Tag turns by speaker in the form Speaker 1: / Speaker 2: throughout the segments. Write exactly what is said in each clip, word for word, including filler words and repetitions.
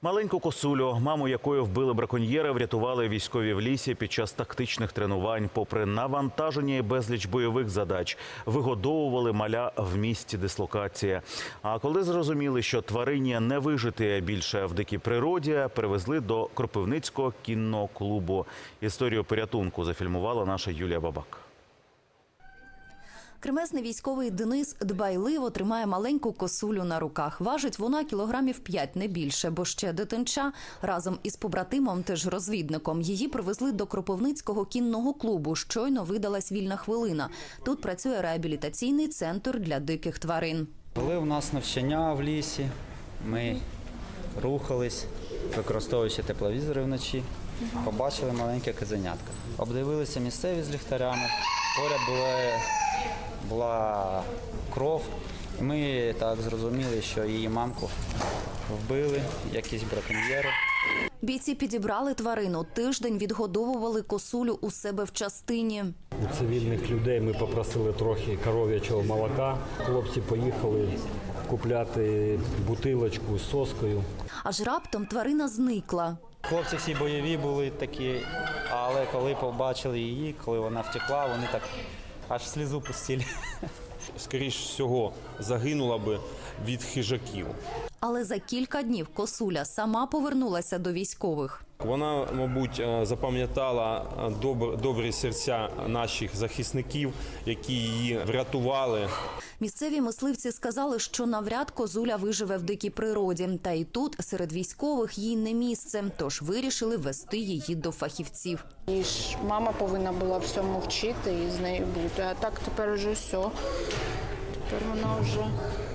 Speaker 1: Маленьку косулю, маму якої вбили браконьєри, врятували військові в лісі під час тактичних тренувань. Попри навантаження і безліч бойових задач, вигодовували маля в місці дислокації. А коли зрозуміли, що тварині не вижити більше в дикій природі, перевезли до Кропивницького кінного клубу. Історію порятунку зафільмувала наша Юлія Бабак.
Speaker 2: Кремезний військовий Денис дбайливо тримає маленьку косулю на руках. Важить вона кілограмів п'ять, не більше, бо ще дитинча. Разом із побратимом, теж розвідником, її привезли до Кропивницького кінного клубу. Щойно видалась вільна хвилина. Тут працює реабілітаційний центр для диких тварин.
Speaker 3: Були у нас навчання в лісі, ми рухались, використовуючи тепловізори вночі, побачили маленьке козенятко. Обдивилися місцеві з ліхтарями, поряд була, була кров. Ми так зрозуміли, що її мамку вбили якісь браконьєри.
Speaker 2: Бійці підібрали тварину. Тиждень відгодовували косулю у себе в частині.
Speaker 4: У цивільних людей ми попросили трохи коров'ячого молока. Хлопці поїхали купляти бутилочку з соскою.
Speaker 2: Аж раптом тварина зникла.
Speaker 3: Хлопці всі бойові були такі, але коли побачили її, коли вона втекла, вони так аж слізу пустили.
Speaker 5: Скоріш всього, загинула би від хижаків.
Speaker 2: Але за кілька днів косуля сама повернулася до військових.
Speaker 5: Вона, мабуть, запам'ятала добр, добрі серця наших захисників, які її врятували.
Speaker 2: Місцеві мисливці сказали, що навряд козуля виживе в дикій природі. Та і тут, серед військових, їй не місце. Тож вирішили вести її до фахівців.
Speaker 6: І ж мама повинна була всьому вчити і з нею бути. А так тепер вже все. Тепер вона вже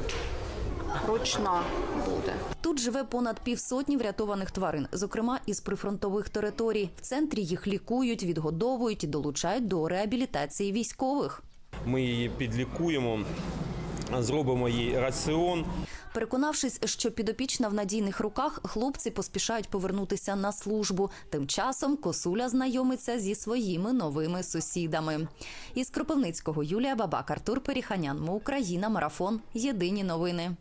Speaker 6: ручна буде.
Speaker 2: Тут живе понад півсотні врятованих тварин, зокрема із прифронтових територій. В центрі їх лікують, відгодовують і долучають до реабілітації військових.
Speaker 5: Ми її підлікуємо, зробимо їй раціон.
Speaker 2: Переконавшись, що підопічна в надійних руках, хлопці поспішають повернутися на службу. Тим часом косуля знайомиться зі своїми новими сусідами. Із Кропивницького Юлія Бабак, Артур Періханян. Ми Україна. Марафон. Єдині новини.